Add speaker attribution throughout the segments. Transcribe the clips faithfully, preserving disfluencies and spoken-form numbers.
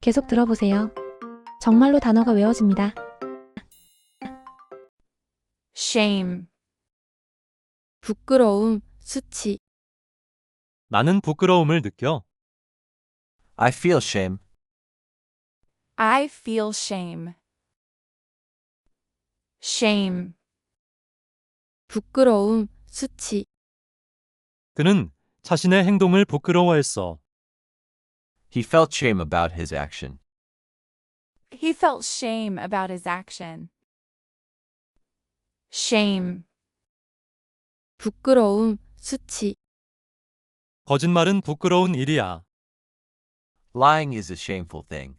Speaker 1: 계속 들어보세요. 정말로 단어가 외워집니다.
Speaker 2: shame,
Speaker 3: 부끄러움, 수치.
Speaker 4: 나는 부끄러움을 느껴.
Speaker 5: I feel shame.
Speaker 2: I feel shame. shame,
Speaker 3: 부끄러움, 수치.
Speaker 4: 그는 자신의 행동을 부끄러워했어.
Speaker 5: He felt shame about his action.
Speaker 2: he felt shame about his action. shame,
Speaker 3: 부끄러움, 수치.
Speaker 4: 거짓말은 부끄러운 일이야.
Speaker 5: Lying is a shameful thing.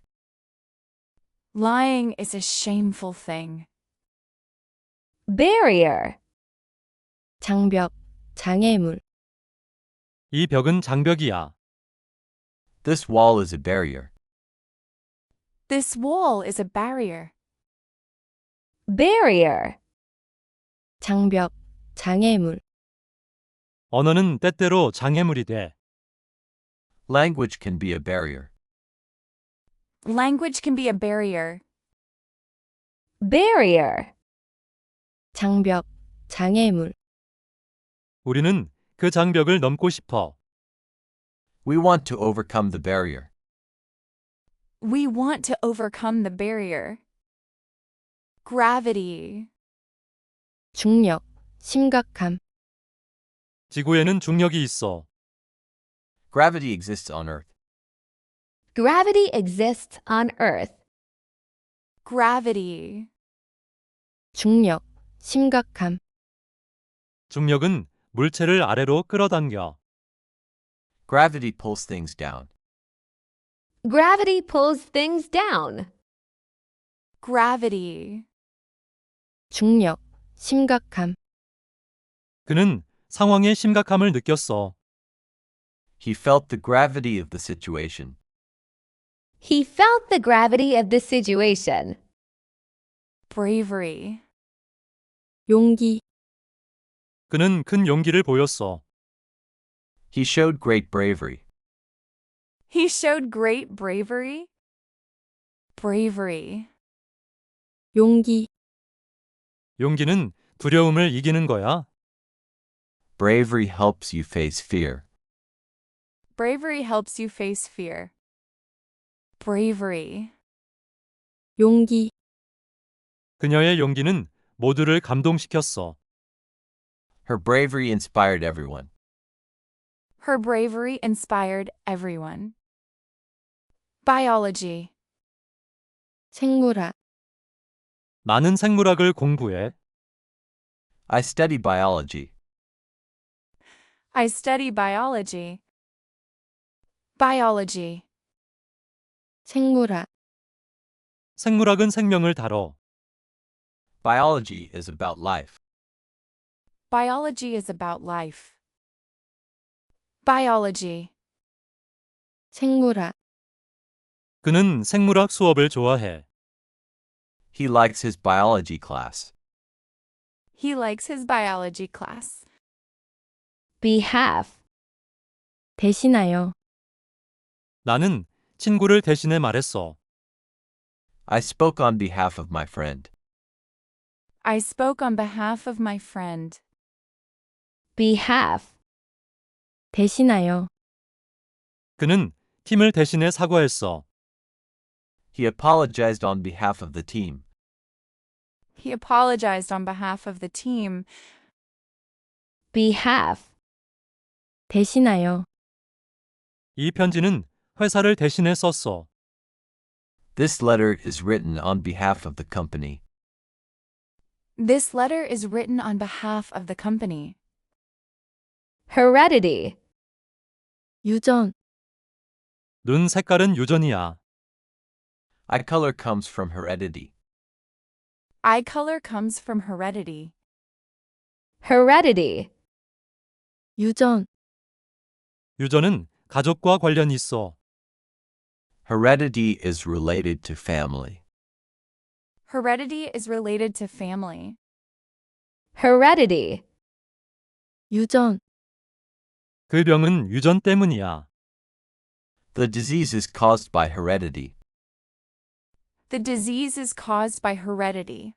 Speaker 2: lying is a shameful thing.
Speaker 6: barrier,
Speaker 3: 장벽, 장애물.
Speaker 4: 이 벽은 장벽이야.
Speaker 5: This wall is a barrier.
Speaker 2: this wall is a barrier.
Speaker 6: barrier,
Speaker 3: 장벽, 장애물.
Speaker 4: 언어는 때때로 장애물이 돼.
Speaker 5: Language can be a barrier.
Speaker 2: language can be a barrier.
Speaker 6: barrier,
Speaker 3: 장벽, 장애물.
Speaker 4: 우리는 그 장벽을 넘고 싶어.
Speaker 5: We want to overcome the barrier.
Speaker 2: we want to overcome the barrier. gravity,
Speaker 3: 중력, 심각함.
Speaker 4: 지구에는 중력이 있어.
Speaker 5: Gravity exists on Earth.
Speaker 6: gravity exists on Earth.
Speaker 2: gravity,
Speaker 3: 중력, 심각함.
Speaker 4: 중력은 물체를 아래로 끌어당겨.
Speaker 5: Gravity pulls things down.
Speaker 6: gravity pulls things down.
Speaker 2: gravity,
Speaker 3: 중력, 심각함.
Speaker 4: 그는 상황의 심각함을 느꼈어.
Speaker 5: He felt the gravity of the situation.
Speaker 6: He felt the gravity of the situation.
Speaker 2: bravery,
Speaker 3: 용기,
Speaker 4: 그는 큰 용기를 보였어.
Speaker 5: He showed great bravery.
Speaker 2: he showed great bravery. bravery,
Speaker 3: 용기.
Speaker 4: 용기는 두려움을 이기는 거야.
Speaker 5: Bravery helps you face fear.
Speaker 2: bravery helps you face fear. bravery,
Speaker 3: 용기.
Speaker 4: 그녀의 용기는 모두를 감동시켰어.
Speaker 5: Her bravery inspired everyone.
Speaker 2: her bravery inspired everyone. biology,
Speaker 3: 생물학.
Speaker 4: 나는 생물학을 공부해.
Speaker 5: I study biology.
Speaker 2: I study biology. biology,
Speaker 3: 생물학.
Speaker 4: 생물학은 생명을 다뤄.
Speaker 5: Biology is about life.
Speaker 2: biology is about life. biology,
Speaker 3: 생물학.
Speaker 4: 그는 생물학 수업을 좋아해.
Speaker 5: He likes his biology class.
Speaker 2: he likes his biology class.
Speaker 6: behalf,
Speaker 3: 대신하여.
Speaker 4: 나는 친구를 대신해 말했어.
Speaker 5: I spoke on behalf of my friend.
Speaker 2: I spoke on behalf of my friend.
Speaker 6: behalf,
Speaker 3: 대신하여.
Speaker 4: 그는 팀을 대신해 사과했어.
Speaker 5: He apologized on behalf of the team.
Speaker 2: he apologized on behalf of the team.
Speaker 6: behalf,
Speaker 3: 대신하여.
Speaker 4: 이 편지는 회사를 대신해 썼어.
Speaker 5: This letter is written on behalf of the company.
Speaker 2: this letter is written on behalf of the company.
Speaker 6: heredity,
Speaker 3: 유전.
Speaker 4: 눈 색깔은 유전이야.
Speaker 5: Eye color comes from heredity.
Speaker 2: eye color comes from heredity.
Speaker 6: heredity,
Speaker 3: 유전.
Speaker 4: 유전은 가족과 관련이 있어.
Speaker 5: Heredity is related to family.
Speaker 2: heredity is related to family.
Speaker 6: heredity,
Speaker 3: 유전.
Speaker 4: 그 병은 유전 때문이야.
Speaker 5: The disease is caused by heredity.
Speaker 2: The disease is caused by heredity.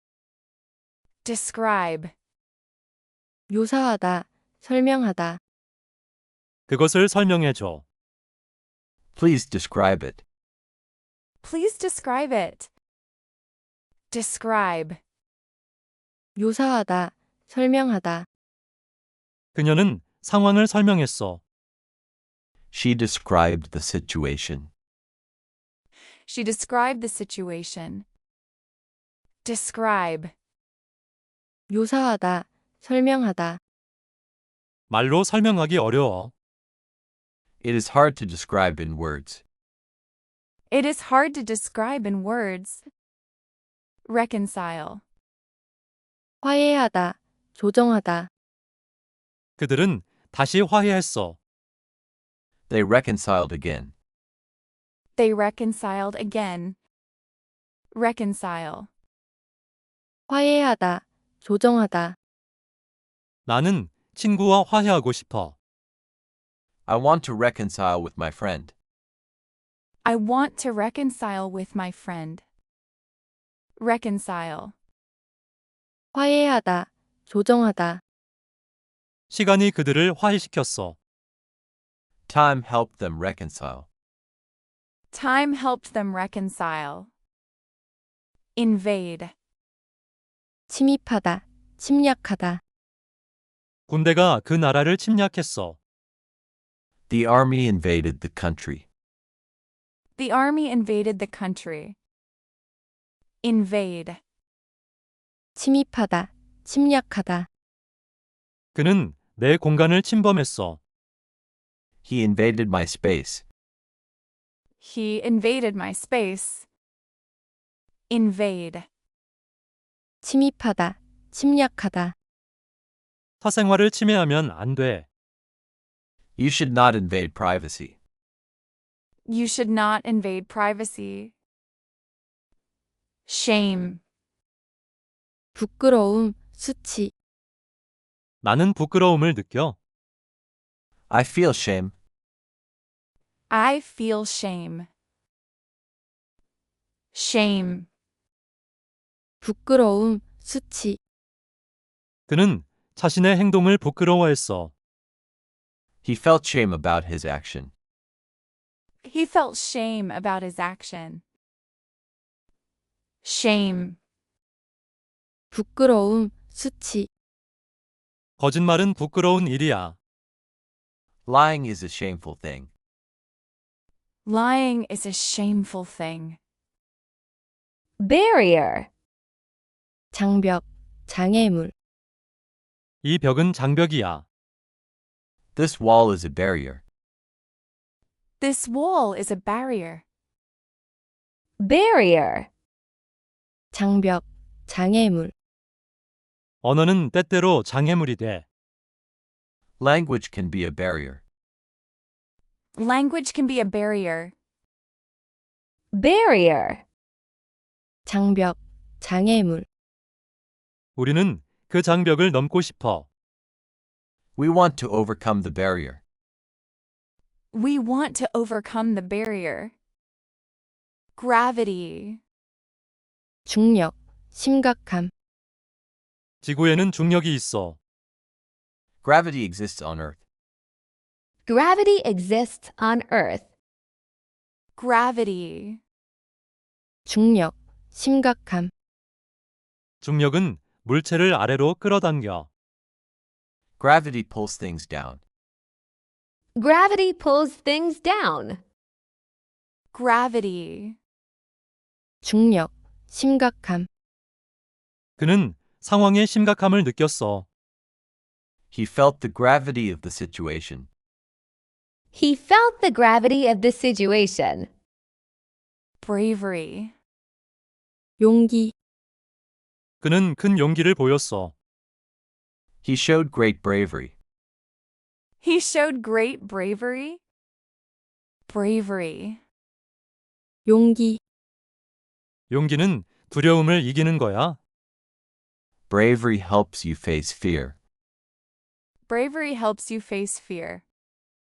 Speaker 2: Describe.
Speaker 3: 묘사하다, 설명하다.
Speaker 4: 그것을 설명해 줘.
Speaker 5: Please describe it.
Speaker 2: Please describe it. Describe.
Speaker 3: 묘사하다, 설명하다.
Speaker 4: 그녀는 상황을 설명했어.
Speaker 5: She described the situation.
Speaker 2: She described the situation. Describe.
Speaker 3: 묘사하다, 설명하다.
Speaker 4: 말로 설명하기 어려워.
Speaker 5: It is hard to describe in words.
Speaker 2: It is hard to describe in words. Reconcile.
Speaker 3: 화해하다, 조정하다.
Speaker 4: 그들은 다시 화해했어.
Speaker 5: They reconciled again.
Speaker 2: They reconciled again. Reconcile.
Speaker 3: 화해하다, 조정하다.
Speaker 4: 나는 친구와 화해하고 싶어.
Speaker 5: I want to reconcile with my friend.
Speaker 2: I want to reconcile with my friend. Reconcile.
Speaker 3: 화해하다, 조정하다.
Speaker 4: 시간이 그들을 화해시켰어.
Speaker 5: Time helped them reconcile.
Speaker 2: Time helped them reconcile. Invade.
Speaker 3: 침입하다, 침략하다.
Speaker 4: 군대가 그 나라를 침략했어.
Speaker 5: The army invaded the country.
Speaker 2: The army invaded the country. Invade.
Speaker 3: 침입하다, 침략하다.
Speaker 4: 그는 내 공간을 침범했어.
Speaker 5: He invaded my space.
Speaker 2: He invaded my space. Invade.
Speaker 3: 침입하다, 침략하다.
Speaker 4: 사생활을 침해하면 안 돼.
Speaker 5: You should not invade privacy.
Speaker 2: You should not invade privacy. Shame.
Speaker 3: 부끄러움, 수치.
Speaker 4: 나는 부끄러움을 느껴.
Speaker 5: I feel shame.
Speaker 2: I feel shame. Shame.
Speaker 3: 부끄러움, 수치.
Speaker 4: 그는 자신의 행동을 부끄러워했어.
Speaker 5: He felt shame about his action.
Speaker 2: He felt shame about his action. Shame.
Speaker 3: 부끄러움, 수치.
Speaker 4: 거짓말은 부끄러운 일이야.
Speaker 5: Lying is a shameful thing.
Speaker 2: Lying is a shameful thing.
Speaker 6: Barrier.
Speaker 3: 장벽, 장애물.
Speaker 4: 이 벽은 장벽이야.
Speaker 5: This wall is a barrier.
Speaker 2: This wall is a barrier.
Speaker 6: Barrier.
Speaker 3: 장벽, 장애물.
Speaker 4: 언어는 때때로 장애물이 돼.
Speaker 5: Language can be a barrier.
Speaker 2: Language can be a barrier.
Speaker 6: Barrier.
Speaker 3: 장벽, 장애물.
Speaker 4: 우리는 그 장벽을 넘고 싶어.
Speaker 5: We want to overcome the barrier.
Speaker 2: We want to overcome the barrier. Gravity.
Speaker 3: 중력, 심각함.
Speaker 4: 지구에는 중력이 있어.
Speaker 5: Gravity exists on Earth.
Speaker 6: Gravity exists on Earth.
Speaker 2: Gravity.
Speaker 3: 중력, 심각함.
Speaker 4: 중력은 물체를 아래로 끌어당겨.
Speaker 5: Gravity pulls things down.
Speaker 6: Gravity pulls things down.
Speaker 2: Gravity.
Speaker 3: 중력, 심각함.
Speaker 4: 그는 상황의 심각함을 느꼈어.
Speaker 5: He felt the gravity of the situation.
Speaker 6: He felt the gravity of the situation.
Speaker 2: Bravery.
Speaker 3: 용기,
Speaker 4: 그는 큰 용기를 보였어.
Speaker 5: He showed great bravery.
Speaker 2: He showed great bravery. Bravery.
Speaker 3: 용기.
Speaker 4: 용기는 두려움을 이기는 거야.
Speaker 5: Bravery helps you face fear.
Speaker 2: Bravery helps you face fear.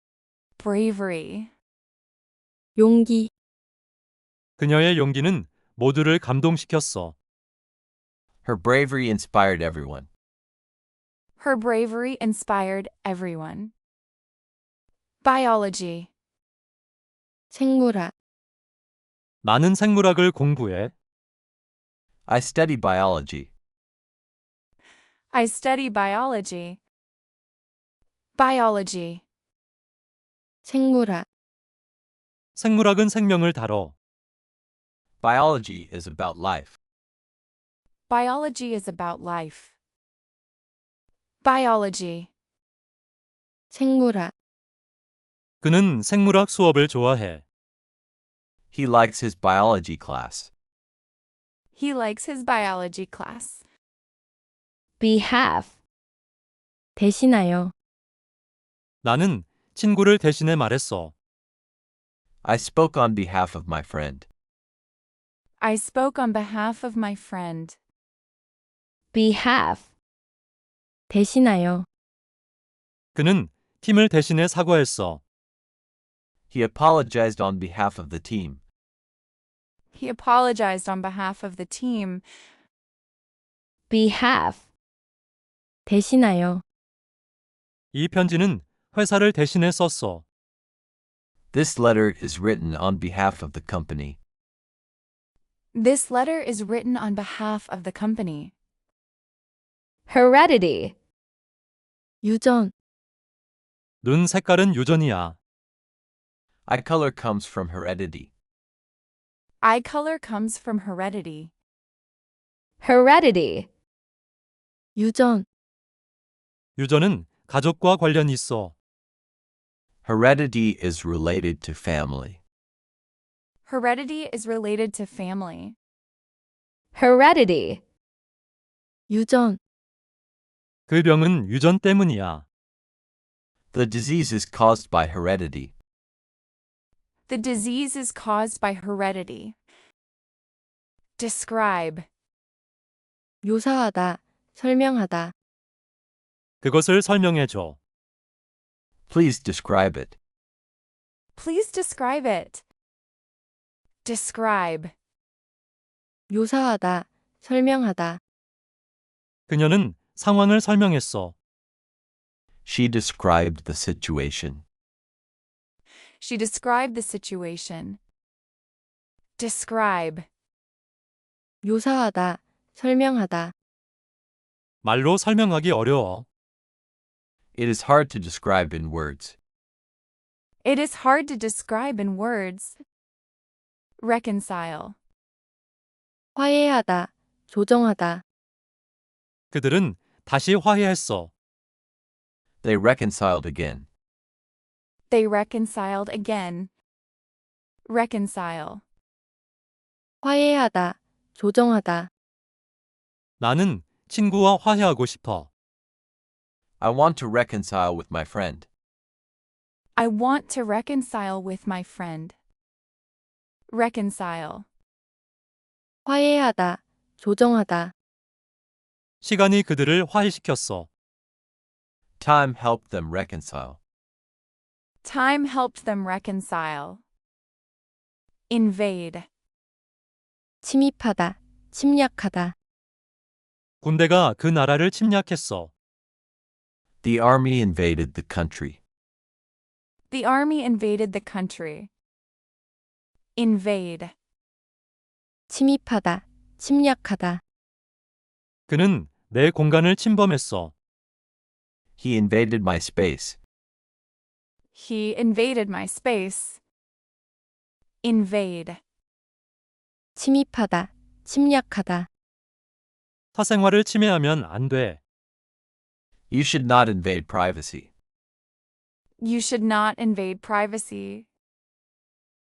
Speaker 2: Bravery.
Speaker 3: 용기.
Speaker 4: 그녀의 용기는 모두를 감동시켰어.
Speaker 5: Her bravery inspired everyone.
Speaker 2: Her bravery inspired everyone. Biology.
Speaker 3: 생물학,
Speaker 4: 나는 생물학을 공부해.
Speaker 5: I study biology.
Speaker 2: I study biology. Biology.
Speaker 3: 생물학,
Speaker 4: 생물학은 생명을 다뤄.
Speaker 5: Biology is about life.
Speaker 2: Biology is about life. Biology.
Speaker 3: 생물학,
Speaker 4: 그는 생물학 수업을 좋아해.
Speaker 5: He likes his biology class.
Speaker 2: He likes his biology class.
Speaker 6: behalf,
Speaker 3: 대신하여,
Speaker 4: 나는 친구를 대신해 말했어.
Speaker 5: I spoke on behalf of my friend.
Speaker 2: I spoke on behalf of my friend.
Speaker 6: behalf,
Speaker 3: 대신하여,
Speaker 4: 그는 팀을 대신해 사과했어.
Speaker 5: He apologized on behalf of the team.
Speaker 2: He apologized on behalf of the team.
Speaker 6: behalf,
Speaker 3: 대신하여,
Speaker 4: 이 편지는 회사를 대신해 썼어.
Speaker 5: This letter is written on behalf of the company.
Speaker 2: This letter is written on behalf of the company.
Speaker 6: heredity,
Speaker 3: 유전,
Speaker 4: 눈 색깔은 유전이야.
Speaker 5: Eye color comes from heredity.
Speaker 2: Eye color comes from heredity.
Speaker 6: heredity,
Speaker 3: 유전,
Speaker 4: 유전은 가족과 관련이 있어.
Speaker 5: Heredity is related to family.
Speaker 2: Heredity is related to family.
Speaker 6: heredity,
Speaker 3: 유전,
Speaker 4: 그 병은 유전 때문이야.
Speaker 5: The disease is caused by heredity.
Speaker 2: The disease is caused by heredity. Describe.
Speaker 3: 묘사하다, 설명하다,
Speaker 4: 그것을 설명해 줘.
Speaker 5: Please describe it.
Speaker 2: Please describe it. Describe.
Speaker 3: 묘사하다, 설명하다,
Speaker 4: 그녀는 상황을 설명했어.
Speaker 5: She described the situation.
Speaker 2: She described the situation. Describe.
Speaker 3: 묘사하다, 설명하다,
Speaker 4: 말로 설명하기 어려워.
Speaker 5: It is hard to describe in words.
Speaker 2: It is hard to describe in words. Reconcile.
Speaker 3: 화해하다, 조정하다,
Speaker 4: 그들은 다시 화해했어.
Speaker 5: They reconciled again.
Speaker 2: They reconciled again. Reconcile.
Speaker 3: 화해하다, 조정하다,
Speaker 4: 나는 친구와 화해하고 싶어.
Speaker 5: I want to reconcile with my friend.
Speaker 2: I want to reconcile with my friend. Reconcile.
Speaker 3: 화해하다, 조정하다,
Speaker 4: 시간이 그들을 화해시켰어.
Speaker 5: Time helped them reconcile.
Speaker 2: Time helped them reconcile. Invade.
Speaker 3: 침입하다, 침략하다,
Speaker 4: 군대가 그 나라를 침략했어.
Speaker 5: The army invaded the country.
Speaker 2: The army invaded the country. Invade.
Speaker 3: 침입하다, 침략하다,
Speaker 4: 그는 내 공간을 침범했어.
Speaker 5: He invaded my space.
Speaker 2: He invaded my space. Invade.
Speaker 3: 침입하다, 침략하다,
Speaker 4: 사생활을 침해하면 안 돼.
Speaker 5: You should not invade privacy.
Speaker 2: You should not invade privacy.